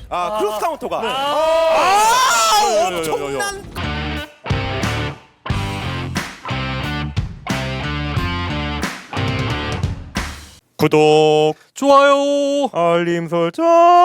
크로스 카운터가. 엄청난. 구독, 좋아요. 알림 설정.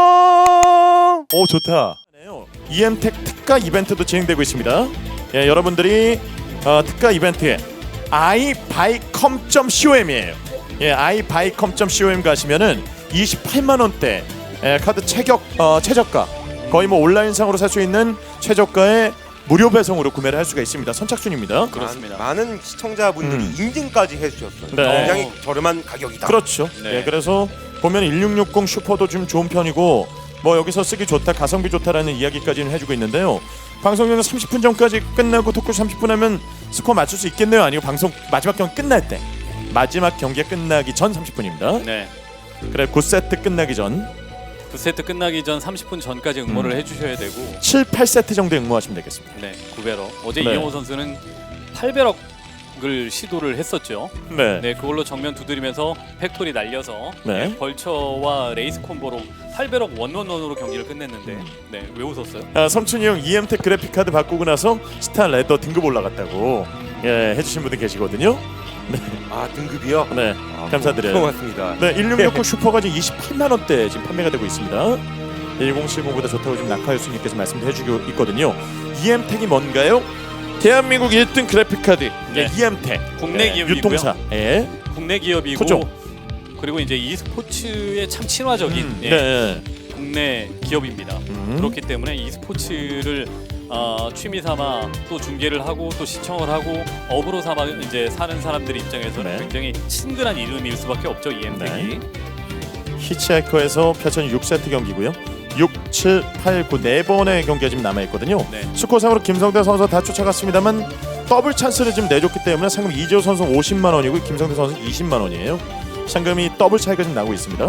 오 좋다. EM텍 특가 이벤트도 진행되고 있습니다. 예, 여러분들이 특가 이벤트에 iBuyCom.com이에요. 예, iBuyCom.com 가시면은 28만 원대 카드 최저가 거의 뭐 온라인상으로 살 수 있는 최저가의 무료 배송으로 구매를 할 수가 있습니다. 선착순입니다. 그렇습니다. 많은 시청자분들이 인증까지 해주셨어요. 네. 굉장히 저렴한 가격이다. 그렇죠. 네. 예, 그래서 보면 1660 슈퍼도 좀 좋은 편이고 뭐 여기서 쓰기 좋다, 가성비 좋다라는 이야기까지는 해주고 있는데요. 방송용은 30분 전까지 끝나고 토크 30분 하면 스코어 맞출 수 있겠네요. 아니고 방송 마지막 경기 끝날 때, 마지막 경기가 끝나기 전 30분입니다. 네. 그래 9세트 끝나기 전 9세트 끝나기 전 30분 전까지 응모를 해주셔야 되고 7, 8세트 정도 응모하시면 되겠습니다. 네, 9배럭. 어제 네. 이영호 선수는 8배럭을 시도를 했었죠. 네. 네, 그걸로 정면 두드리면서 팩토리 날려서 네. 네, 벌처와 레이스 콤보로 8배럭 원원원으로 경기를 끝냈는데 네, 왜 웃었어요? 성춘이 형 EM텍 그래픽 카드 바꾸고 나서 스타 레더 등급 올라갔다고 해주신 분들 계시거든요. 등급이요? 네, 감사드려요. 고맙습니다. 네, 1660 슈퍼가 지금 28만 원대 지금 판매가 되고 있습니다. 1070보다 좋다고 지금 낙하유수님께서 말씀해주고 있거든요. EM텍이 뭔가요? 대한민국 1등 그래픽 카드 네. EM텍 국내 기업이고요. 유통사. 예. 국내 기업이고 그죠? 그리고 이제 e스포츠에 참 친화적인 네. 국내 기업입니다. 그렇기 때문에 e스포츠를 취미 삼아 또 중계를 하고 또 시청을 하고 업으로 삼아 이제 사는 사람들 입장에서는 네. 굉장히 친근한 이름일 수밖에 없죠. EM텍이. 히치하이커에서 펼쳐진 6세트 경기고요. 6, 7, 8, 9 4번의 경기가 지금 남아있거든요. 네. 스코어상으로 김성대 선수 다 쫓아갔습니다만 더블 찬스를 지금 내줬기 때문에 상금 이재호 선수 50만 원이고 김성대 선수 20만 원이에요. 상금이 더블 차이가 지금 나고 있습니다.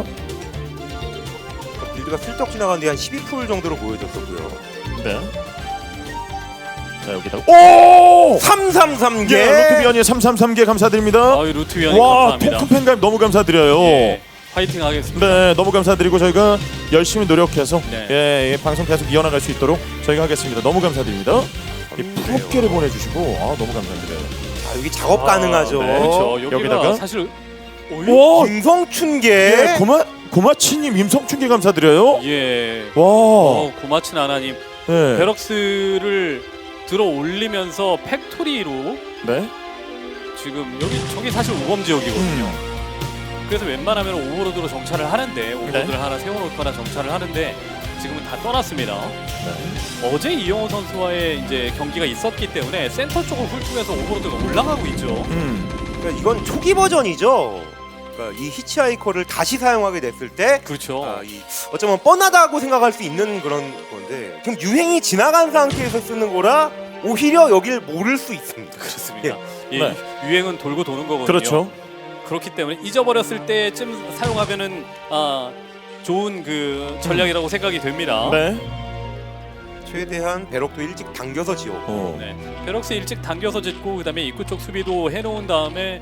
빌드가 슬쩍 지나가는데 한 12% 정도로 보여졌었고요. 네. 자 여기다가 오! 333개. 예, 루트비언이 333개 감사드립니다. 아유 루트 위원님 와, 감사합니다. 토큰 팬가입 너무 감사드려요. 예, 화이팅 하겠습니다. 네, 너무 감사드리고 저희가 열심히 노력해서 네. 방송 계속 이어나갈 수 있도록 저희가 하겠습니다. 너무 감사드립니다. 이 프로게를 보내주시고 너무 감사드려요. 여기 작업 가능하죠. 네. 그렇죠. 여기가 여기다가? 사실 와, 김성춘계. 예, 고마치님 임성춘계 감사드려요. 예. 와, 고마친 하나님 네, 베럭스를 들어 올리면서 팩토리로 네, 지금 저기 사실 우범 지역이거든요. 그래서 웬만하면 오버로드로 정찰을 하는데 오버로드를 하나 세워놓거나 정찰을 하는데 지금은 다 떠났습니다. 네. 어제 이영호 선수와의 이제 경기가 있었기 때문에 센터 쪽을 훑으면서 오버로드가 올라가고 있죠. 그러니까 이건 초기 버전이죠. 그러니까 이 히치하이커를 다시 사용하게 됐을 때 그렇죠. 어쩌면 뻔하다고 생각할 수 있는 그런 건데 지금 유행이 지나간 상태에서 쓰는 거라 오히려 여길 모를 수 있습니다. 그렇습니다. 예, 네. 유행은 돌고 도는 거거든요. 그렇죠. 그렇기 때문에 잊어버렸을 때쯤 사용하면은 좋은 그 전략이라고 생각이 됩니다. 네. 최대한 배럭도 일찍 당겨서 지었고 네. 베럭스 일찍 당겨서 짓고 그다음에 입구 쪽 수비도 해놓은 다음에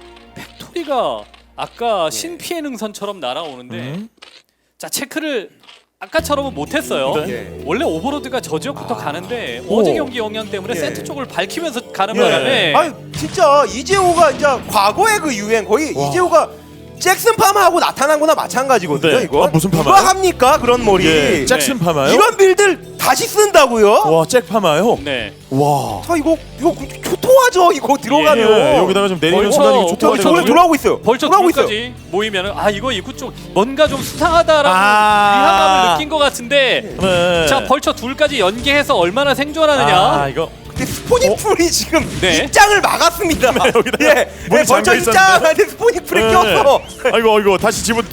팩토리가 아까 신피해 능선처럼 날아오는데 자 체크를 아까처럼은 못했어요. 네. 원래 오버로드가 저 지역부터 가는데 오. 어제 경기 영향 때문에 예. 세트 쪽을 밝히면서 가는 예. 바람에 아니 진짜 이재호가 이제 과거의 그 유행 거의 와. 이재호가 잭슨 파마하고 나타난 거나 마찬가지거든요. 네. 이거 무슨 누가 파마요? 합니까 그런 머리? 예, 잭슨 네. 파마요? 이런 빌들 다시 쓴다고요? 와, 잭 파마요? 네. 네. 와. 자 이거 초토화죠 이거 들어가면. 예, 여기다가 좀 내리는 벌써 순간 이거 저기 좋다. 저기 돌아오고 있어요. 벌써 돌아오고 있어요. 둘까지 모이면은 이거 입구 쪽 뭔가 좀 수상하다라고 아. 위화감을 느낀 것 같은데 네. 자 벌써 둘까지 연계해서 얼마나 생존하느냐. 이거 근데 스포닉풀이 지금 네. 입장을 막았습니다. 여기다가 예, 문이 벌써 잠겨 있었는데. 입장한테 스포닉풀이 꼈어. 아이고 다시 집어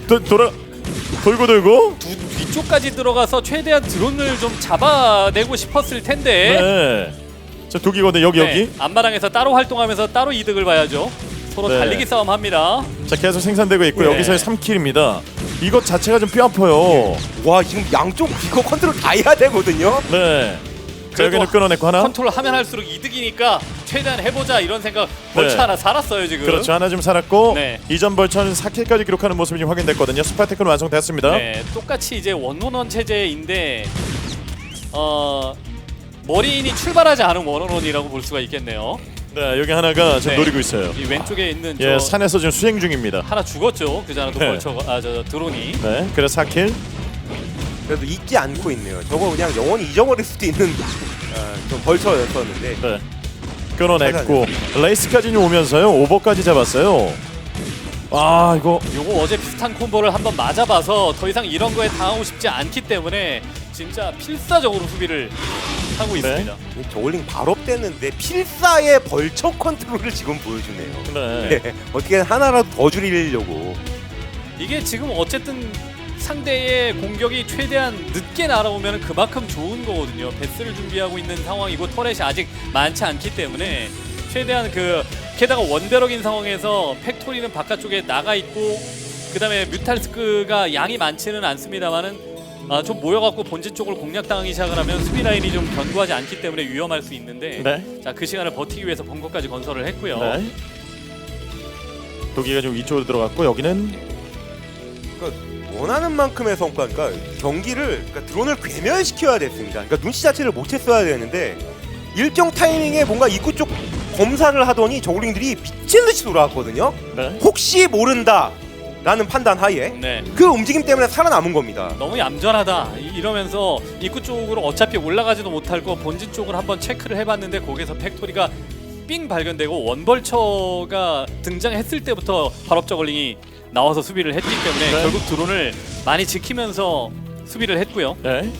돌고 뒤쪽까지 들어가서 최대한 드론을 좀 잡아내고 싶었을 텐데 네. 자 두기거든 여기. 앞마당에서 따로 활동하면서 따로 이득을 봐야죠. 서로 네. 달리기 싸움 합니다. 자 계속 생산되고 있고 네. 여기서의 3킬입니다. 이것 자체가 좀 뼈 아파요. 와 지금 양쪽 이거 컨트롤 다 해야 되거든요. 네. 자, 여기는 끊어냈고 하나. 컨트롤 하면 할수록 이득이니까 최대한 해보자 이런 생각. 벌처 네. 하나 살았어요 지금. 그렇죠. 하나 좀 살았고 네. 이전 벌처는 4킬까지 기록하는 모습이 지금 확인됐거든요. 스파테크는 완성됐습니다. 네, 똑같이 이제 원원원 체제인데 머리인이 출발하지 않은 원원원이라고 볼 수가 있겠네요. 네, 여기 하나가 지금 네. 노리고 있어요. 이 왼쪽에 있는 예, 저 산에서 지금 수행 중입니다. 하나 죽었죠. 그잖아도 네. 벌처가 저 드론이. 네, 그래서 4킬. 그래도 잊지 않고 있네요. 저거 그냥 영원히 잊어버릴 수도 있는 좀 벌처였었는데. 네. 끊어냈고 레이스까지 오면서요. 오버까지 잡았어요. 아, 이거 요거 어제 비슷한 콤보를 한번 맞아봐서 더 이상 이런 거에 당하고 싶지 않기 때문에 진짜 필사적으로 수비를 하고 있습니다. 저글링 발업됐는데 필사의 벌처 컨트롤을 지금 보여주네요. 네. 네. 어떻게든 하나라도 더 줄이려고. 이게 지금 어쨌든 상대의 공격이 최대한 늦게 날아오면 그만큼 좋은 거거든요. 베스를 준비하고 있는 상황이고 터렛이 아직 많지 않기 때문에 최대한 게다가 원베럭인 상황에서 팩토리는 바깥쪽에 나가 있고 그다음에 뮤탈스크가 양이 많지는 않습니다만은 좀 모여갖고 본진 쪽을 공략당하기 시작을 하면 수비 라인이 좀 견고하지 않기 때문에 위험할 수 있는데 네. 자, 그 시간을 버티기 위해서 벙커까지 건설을 했고요. 네. 도기가 좀 위쪽으로 들어갔고 여기는 그러니까 원하는 만큼의 성과니까 경기를 드론을 괴멸시켜야 됐습니다. 그러니까 눈치 자체를 못했어야 되는데 일정 타이밍에 뭔가 입구 쪽 검사를 하더니 저글링들이 미친 듯이 돌아왔거든요. 네. 혹시 모른다라는 판단 하에 네. 그 움직임 때문에 살아남은 겁니다. 너무 얌전하다 이러면서 입구 쪽으로 어차피 올라가지도 못할 거 본진 쪽을 한번 체크를 해봤는데 거기서 팩토리가 삥 발견되고 원벌처가 등장했을 때부터 발업 저글링이 나와서 수비를 했기 때문에 네. 결국 드론을 많이 지키면서 수비를 했고요. 네.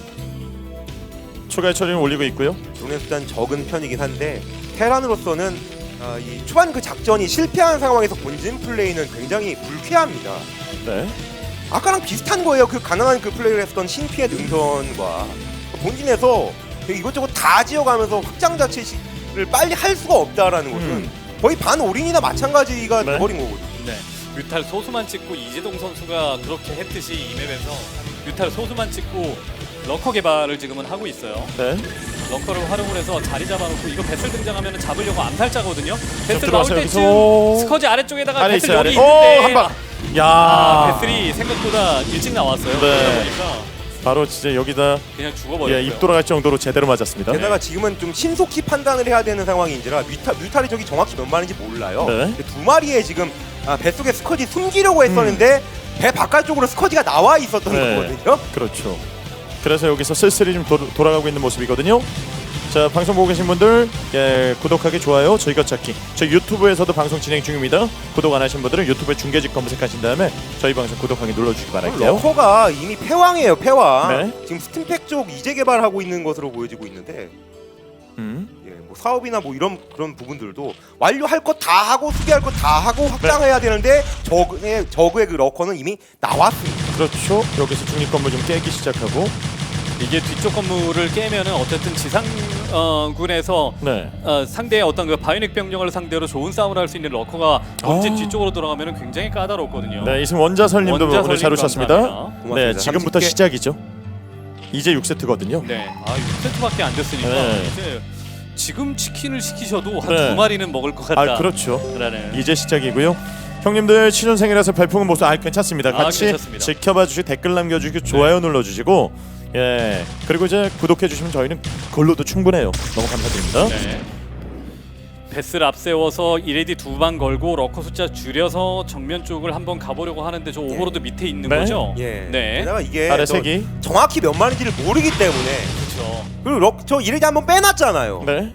추가 처리는 올리고 있고요. 드론의 숫자는 적은 편이긴 한데 테란으로서는 이 초반 그 작전이 실패한 상황에서 본진 플레이는 굉장히 불쾌합니다. 네. 아까랑 비슷한 거예요. 그 가난한 그 플레이를 했었던 신피의 능선과 본진에서 이것저것 다 지어가면서 확장 자체를 빨리 할 수가 없다라는 것은 거의 반올인이나 마찬가지가 네. 돼버린 거거든요. 네. 뮤탈 소수만 찍고 이재동 선수가 그렇게 했듯이 이 맵에서 뮤탈 소수만 찍고 러커 개발을 지금은 하고 있어요. 네. 러커를 활용을 해서 자리 잡아놓고 이거 배슬 등장하면 잡으려고 암살자거든요. 배슬 들어와서 나올 때쯤 여기서 스커지 아래쪽에다가 아래 배슬 있어요. 여기 아래. 있는데 한 방. 야. 배슬이 생각보다 일찍 나왔어요. 네. 그러다 보니까 바로 진짜 여기다 그냥 죽어버렸어요. 예, 입 돌아갈 정도로 제대로 맞았습니다. 게다가 지금은 좀 신속히 판단을 해야 되는 상황인지라 뮤탈이 저기 정확히 몇 마리인지 몰라요. 네. 근데 두 마리에 지금 뱃속에 스커지 숨기려고 했었는데 배 바깥쪽으로 스커지가 나와 있었던 네. 거거든요. 그렇죠. 그래서 여기서 쓸쓸히 좀 돌아가고 있는 모습이거든요. 자, 방송 보고 계신 분들 예, 구독하기, 좋아요, 저희 것 찾기. 저희 유튜브에서도 방송 진행 중입니다. 구독 안 하신 분들은 유튜브에 중계직 검색하신 다음에 저희 방송 구독하기 눌러주시기 바랄게요. 러커가 이미 패왕이에요. 패왕. 네. 지금 스팀팩 쪽 이제 개발하고 있는 것으로 보여지고 있는데 예, 뭐 사업이나 뭐 이런 그런 부분들도 완료할 거 다 하고 수비할 거 다 하고 확장해야 되는데 저그의 그 러커는 이미 나왔습니다. 그렇죠. 여기서 중립 건물 좀 깨기 시작하고 이게 뒤쪽 건물을 깨면은 어쨌든 지상군에서 네. 상대의 어떤 그 바이닉 병력을 상대로 좋은 싸움을 할 수 있는 러커가 본진 아. 뒤쪽으로 들어가면은 굉장히 까다롭거든요. 네, 이승 원자설님도 오늘 원자설님 잘 오셨습니다. 감사합니다. 네, 고맙습니다. 지금부터 30개. 시작이죠. 이제 6세트거든요. 네, 6세트밖에 안 됐으니까 네. 이제 지금 치킨을 시키셔도 한 네. 2마리는 먹을 것 같다. 아, 그렇죠. 라는. 이제 시작이고요. 형님들 취준생이라서 발풍은 모습 괜찮습니다. 같이 괜찮습니다. 지켜봐 주시고 댓글 남겨주시고 좋아요 눌러주시고 예, 그리고 이제 구독해 주시면 저희는 그걸로도 충분해요. 너무 감사드립니다. 네. 베스를 앞세워서 이레디 2방 걸고 러커 숫자 줄여서 정면 쪽을 한번 가보려고 하는데 저 오버로드 밑에 있는 네. 거죠? 예. 네. 게다가 이게 아래 저 색이 정확히 몇 마리인지를 모르기 때문에 그렇죠. 그리고 저 이래지 한번 빼놨잖아요. 네.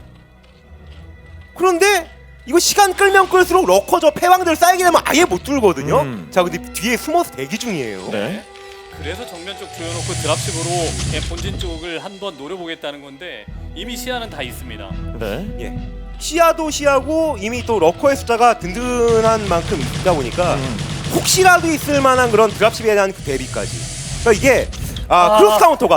그런데 이거 시간 끌면 끌수록 러커 저 패왕들 쌓이게 되면 아예 못 뚫거든요. 자, 근데 뒤에 숨어서 대기 중이에요. 네. 그래서 정면 쪽 조여놓고 드랍십으로 본진 쪽을 한번 노려보겠다는 건데 이미 시야는 다 있습니다. 네. 예. 시야도 시야고 이미 또 러커의 숫자가 든든한 만큼 있다 보니까 혹시라도 있을 만한 그런 드랍십에 대한 그 대비까지. 그러니까 이게 크로스 카운터가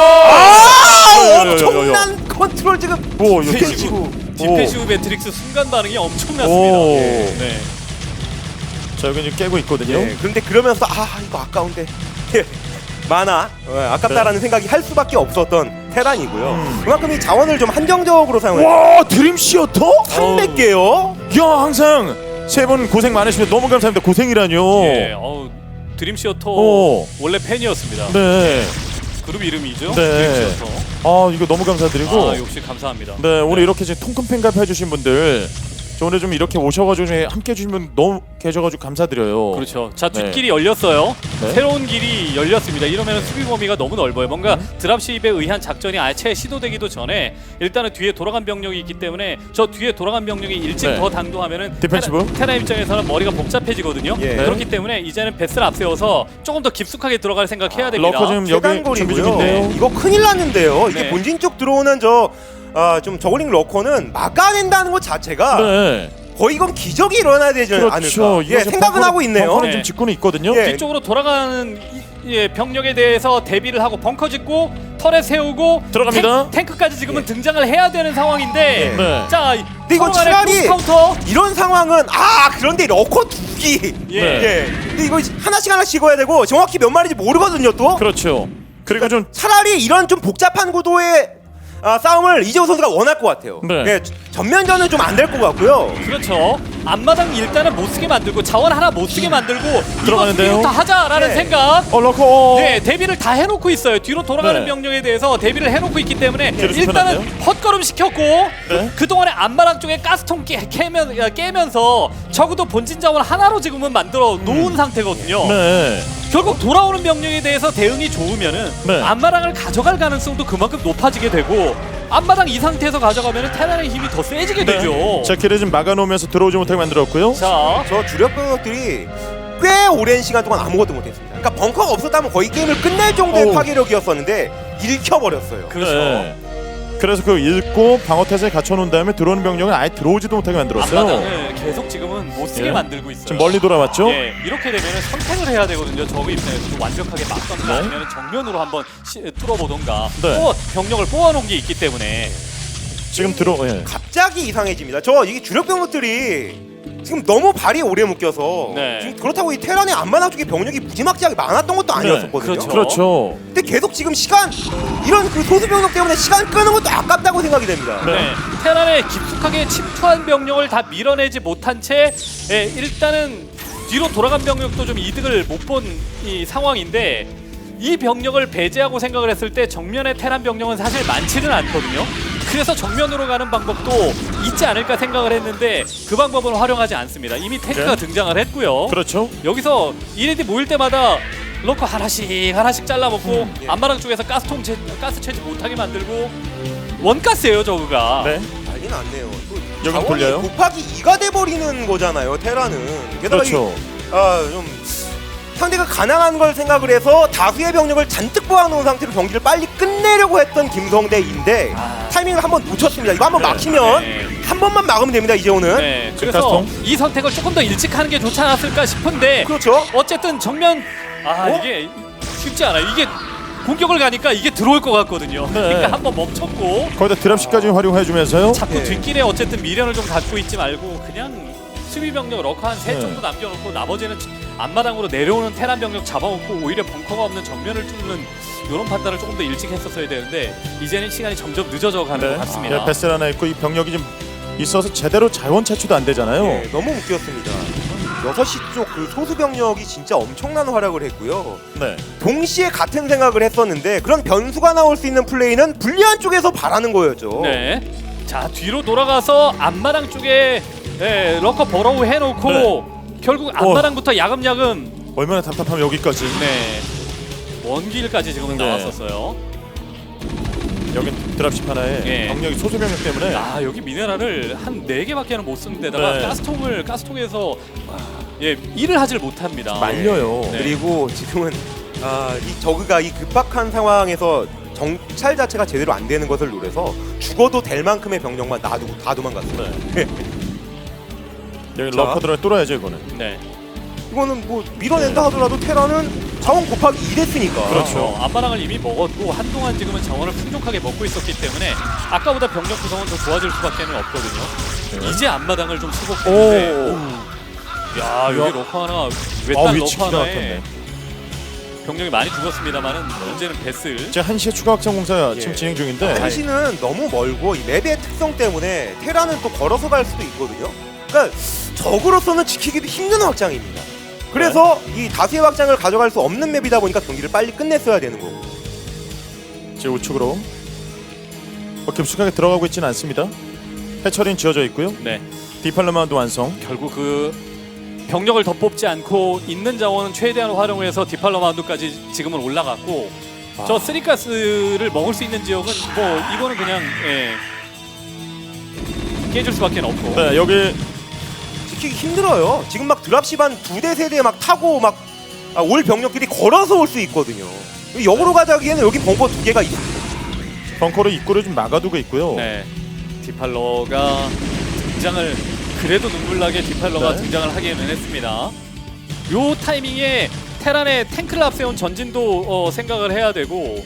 네. 엄청난 컨트롤 지금 오, 여기 디펜시브. 디펜시브 매트릭스 순간 반응이 엄청났습니다. 오. 네. 자, 여기 지금 깨고 있거든요. 예, 그런데 그러면서 이거 아까운데 만화 아깝다라는 생각이 할 수밖에 없었던 테란이고요. 그만큼 이 자원을 좀 한정적으로 사용해요. 와 드림 시어터? 300개요? 야 항상 세 분 고생 많으십니다. 너무 감사합니다. 고생이라뇨. 예, 드림 시어터 오. 원래 팬이었습니다. 네. 그룹 이름이죠. 네. 드림 시어터. 아 이거 너무 감사드리고. 아, 역시 감사합니다. 네 오늘 이렇게 지금 통큰 팬가입 해주신 분들 저 오늘 좀 이렇게 오셔가지고 함께 해주신 분 너무 계셔가지고 감사드려요. 그렇죠. 자, 네. 뒷길이 열렸어요. 네. 새로운 길이 열렸습니다. 이러면 수비 범위가 너무 넓어요. 뭔가 드랍십에 의한 작전이 아예 시도되기도 전에 일단은 뒤에 돌아간 병력이 있기 때문에 저 뒤에 돌아간 병력이 일찍 네. 더 당도하면은 디펜시브? 테라 입장에서는 머리가 복잡해지거든요. 예. 그렇기 때문에 이제는 베스를 앞세워서 조금 더 깊숙하게 들어갈 생각해야 됩니다. 러커 지금 여기 준비 중인데요. 이거 큰일 났는데요. 이게 네. 본진 쪽 들어오는 좀 저글링 러커는 막아낸다는 것 자체가 네. 거의 이건 기적이 일어나야 되지 그렇죠. 않을까. 이거 예, 지금 생각은 하고 있네요. 벙커는 네. 지금 짓고는 있거든요. 예. 뒤쪽으로 돌아가는 병력에 대해서 대비를 하고 벙커 짓고 터렛 세우고 들어갑니다. 탱크까지 지금은 예. 등장을 해야 되는 상황인데 네. 자 근데 이거 서로 간의 차라리 크로스 카운터 이런 상황은 그런데 러커 2기. 예. 예. 근데 이거 하나씩 찍어야 되고 정확히 몇 마리인지 모르거든요 또. 그렇죠. 그리고 좀 차라리 이런 좀 복잡한 구도의 싸움을 이재호 선수가 원할 것 같아요. 네. 예, 전면전은 좀 안 될 것 같고요. 그렇죠. 앞마당 일단은 못 쓰게 만들고 자원 하나 못 쓰게 만들고 들어가는데요. 이거 수비부터 하자라는 네. 생각. 러커. 네, 대비를 다 해놓고 있어요. 뒤로 돌아가는 네. 병력에 대해서 대비를 해놓고 있기 때문에 뒤로 일단은 좁혀놨네요. 헛걸음 시켰고 네. 그동안에 앞마당 쪽에 가스통 깨면서 적어도 본진 자원 하나로 지금은 만들어 놓은 상태거든요. 네. 결국 돌아오는 병력에 대해서 대응이 좋으면은 네. 앞마당을 가져갈 가능성도 그만큼 높아지게 되고 앞마당 이 상태에서 가져가면은 테란의 힘이 더 세지게 되죠. 네. 자 길을 좀 막아놓으면서 들어오지 못하게 만들었고요. 자, 저 주력 병력들이 꽤 오랜 시간 동안 아무것도 못했습니다. 그러니까 벙커가 없었다면 거의 게임을 끝낼 정도의 어우. 파괴력이었었는데 읽혀버렸어요. 그렇죠. 네. 그래서 그 읽고 방어 태세에 갖춰놓은 다음에 들어오는 병력은 아예 들어오지도 못하게 만들었어요. 앞마당을 계속 지금은 못 쓰게 예. 만들고 있어요. 지금 멀리 돌아왔죠? 예, 이렇게 되면은 선택을 해야 되거든요. 저그 입장에서도 완벽하게 막던가 네. 아니면 정면으로 한번 뚫어보던가 네. 또 병력을 뽑아놓은 게 있기 때문에 지금 예. 갑자기 이상해집니다. 이게 주력 병력들이 지금 너무 발이 오래 묶여서 네. 지금 그렇다고 이 테란의 앞마당 쪽에 병력이 무지막지하게 많았던 것도 아니었었거든요. 그렇죠. 그렇죠. 근데 계속 지금 이런 그 소수 병력 때문에 시간 끄는 것도 아깝다고 생각이 됩니다. 네. 테란에 깊숙하게 침투한 병력을 다 밀어내지 못한 채 일단은 뒤로 돌아간 병력도 좀 이득을 못 본 이 상황인데 이 병력을 배제하고 생각을 했을 때 정면의 테란 병력은 사실 많지는 않거든요. 그래서 정면으로 가는 방법도 있지 않을까 생각을 했는데 그 방법은 활용하지 않습니다. 이미 탱크가 네. 등장을 했고요. 그렇죠. 여기서 이레디 모일 때마다 러커 하나씩 잘라먹고 예. 앞마당 쪽에서 가스 채지 못하게 만들고 원가스예요 저그가. 네. 난리 났네요. 여기 자원이 돌려요? 곱하기 2가 돼버리는 거잖아요. 테란은. 게다가 그렇죠. 좀 상대가 가난한 걸 생각을 해서 다수의 병력을 잔뜩 모아놓은 상태로 경기를 빨리 끝내려고 했던 김성대인데 타이밍을 한번 놓쳤습니다. 이거 한번 네. 막히면 네. 한 번만 막으면 됩니다. 이재호는. 네, 지금 그래서 가스통? 이 선택을 조금 더 일찍 하는 게 좋지 않았을까 싶은데 그렇죠. 어쨌든 정면 이게 쉽지 않아요. 이게 공격을 가니까 이게 들어올 것 같거든요. 네. 그러니까 한번 멈췄고 거기다 드랍시까지 활용해주면서요. 자꾸 예. 뒷길에 어쨌든 미련을 좀 갖고 있지 말고 그냥 수비 병력 러커 한 셋 네. 정도 남겨놓고 나머지는 앞마당으로 내려오는 테란 병력 잡아먹고 오히려 벙커가 없는 정면을 뚫는 이런 판단을 조금 더 일찍 했었어야 되는데 이제는 시간이 점점 늦어져 가는 것 같습니다. 베슬 하나 있고 이 병력이 좀 있어서 제대로 자원 차출도 안 되잖아요. 네, 너무 웃겼습니다. 6시 쪽 그 소수 병력이 진짜 엄청난 활약을 했고요. 네. 동시에 같은 생각을 했었는데 그런 변수가 나올 수 있는 플레이는 불리한 쪽에서 바라는 거였죠. 네. 자 뒤로 돌아가서 앞마당 쪽에 러커 버러우 해놓고 결국 앞마당부터 야금야금 얼마나 답답하면 여기까지. 먼 길까지 지금 네. 나왔었어요. 여긴 드랍십 하나에 예. 병력이 소수 병력 때문에 여기 미네랄을 한 4개밖에는 못 쓰는 데다가 네. 가스통에서 일을 하질 못합니다. 말려요. 네. 그리고 지금은 이 저그가 이 급박한 상황에서 정찰 자체가 제대로 안 되는 것을 노려서 죽어도 될 만큼의 병력만 놔두고 다 도망갔어요. 네. 여기 자. 러커 들어 뚫어야죠 이거는. 네. 이거는 뭐 밀어낸다 하더라도 테라는 자원 곱하기 2 됐으니까. 그렇죠. 앞마당을 이미 먹었고 한동안 지금은 자원을 풍족하게 먹고 있었기 때문에 아까보다 병력 구성은 더 좋아질 수밖에 없거든요. 네. 이제 앞마당을 좀 수복했는데 오. 야 여기 야. 러커 하나 외딴 위치 러커 기가 하나에 막혔네. 병력이 많이 죽었습니다만은 문제는 베슬. 이제 1시에 추가 확장 공사 지금 예. 진행 중인데 한시는 너무 멀고 이 맵의 특성 때문에 테라는 또 걸어서 갈 수도 있거든요. 그러니까 적으로서는 지키기도 힘든 확장입니다. 그래서 이 다수의 확장을 가져갈 수 없는 맵이다 보니까 경기를 빨리 끝냈어야 되는 거고. 이제 우측으로 깊숙하게 들어가고 있지는 않습니다. 해처리는 지어져 있고요. 네. 디팔로마도 완성. 결국 그 병력을 더 뽑지 않고 있는 자원은 최대한 활용해서 디팔로마운드까지 지금은 올라갔고 저 쓰리가스를 먹을 수 있는 지역은 뭐 이거는 그냥 깨줄 수밖에 없고. 네, 여기 지키기 힘들어요. 지금 막 드랍십 한 2대 3대 막 타고 막 올 병력들이 걸어서 올 수 있거든요. 역으로 가자기에는 여기 벙커 2개가 있습니다. 벙커로 입구를 좀 막아두고 있고요. 네. 디팔러가 등장을 그래도 눈물나게 디팔러가 네. 등장을 하기는 했습니다. 요 타이밍에 테란의 탱크를 앞세운 전진도 생각을 해야 되고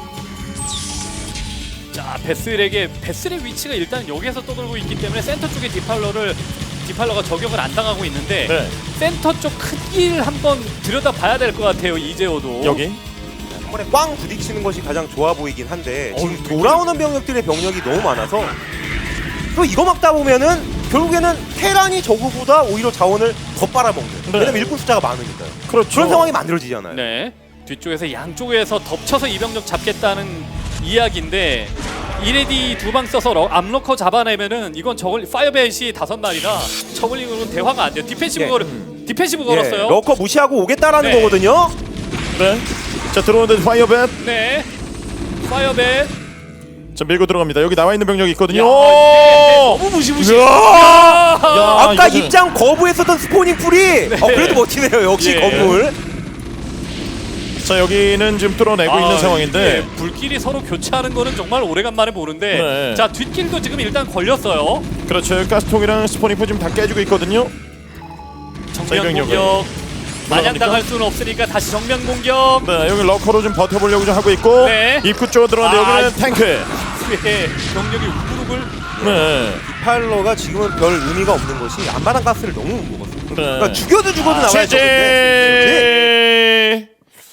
자 베슬의 위치가 일단 여기에서 떠돌고 있기 때문에 센터 쪽에 디팔러가 저격을 안 당하고 있는데 네. 센터 쪽 크기를 한번 들여다봐야 될 것 같아요. 이재호도 여기 한 번에 꽝 부딪히는 것이 가장 좋아 보이긴 한데 지금 어우, 돌아오는 병력들의 병력이 너무 많아서 또 이거 막다 보면은 결국에는 테란이 저그보다 오히려 자원을 더 빨아먹는. 네. 왜냐면 일꾼 숫자가 많으니까요. 그렇죠. 그런 상황이 만들어지잖아요. 네. 뒤쪽에서 양쪽에서 덮쳐서 이병력 잡겠다는 이야기인데 이레디 두 방 써서 암로커 잡아내면은 이건 파이어벳이 5마리라 저글링으로는 대화가 안 돼요. 디펜시브 예, 걸었어요. 러커 무시하고 오겠다라는 네. 거거든요. 네. 자 들어오는데 파이어벳. 네. 파이어벳. 자 밀고 들어갑니다. 여기 나와 있는 병력이 있거든요. 야, 오! 너무 무시무시. 야, 아까 이거는- 입장 거부했었던 스포닝 풀이 그래도 멋지네요. 역시 예. 건물. 자 여기는 지금 뚫어내고 있는 상황인데 예, 불길이 서로 교차하는 거는 정말 오래간만에 보는데 네. 자 뒷길도 지금 일단 걸렸어요. 그렇죠. 가스통이랑 스포니프 지금 다 깨지고 있거든요. 정면 이병력을 공격. 마냥 올라갑니까? 당할 수는 없으니까 다시 정면 공격. 네 여기 러커로 좀 버텨보려고 좀 하고 있고 네. 입구 쪽으로 들어가는데 아, 여기는 탱크. 예, 병력이 우글우글. 네. 디팔러가 지금은 별 의미가 없는 것이 앞마당 가스를 너무 못 먹었어요. 네. 그러니까 죽여도 나와야 되는데. 제재.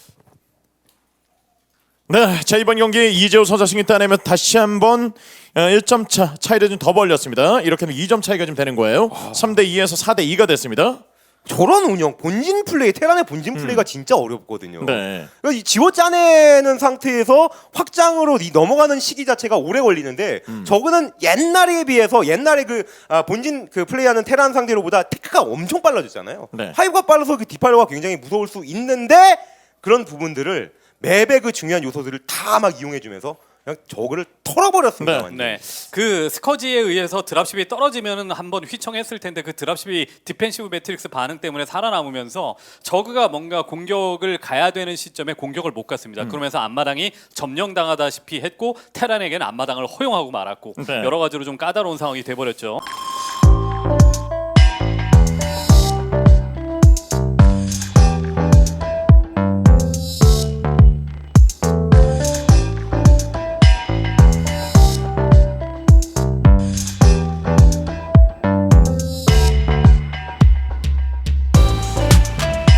네, 자 이번 경기 이재호 선수 승리 따내면 다시 한번 1점 차이를 좀 더 벌렸습니다. 이렇게 하면 2점 차이가 좀 되는 거예요. 3대 2에서 4대 2가 됐습니다. 저런 운영, 본진 플레이, 테란의 본진 플레이가 진짜 어렵거든요. 네. 그러니까 이 지워 짜내는 상태에서 확장으로 넘어가는 시기 자체가 오래 걸리는데 저거는 옛날에 비해서 옛날에 본진 플레이하는 테란 상대로보다 테크가 엄청 빨라졌잖아요. 네. 하이브가 빨라서 그 디팔로가 굉장히 무서울 수 있는데 그런 부분들을 맵의 그 중요한 요소들을 다 막 이용해주면서 그냥 저거를 털어버렸습니다. 네. 완전히. 네, 그 스커지에 의해서 드랍십이 떨어지면은 한번 휘청했을 텐데 그 드랍십이 디펜시브 매트릭스 반응 때문에 살아남으면서 저그가 뭔가 공격을 가야 되는 시점에 공격을 못 갔습니다. 그러면서 앞마당이 점령당하다시피 했고 테란에게는 앞마당을 허용하고 말았고 네. 여러 가지로 좀 까다로운 상황이 돼버렸죠.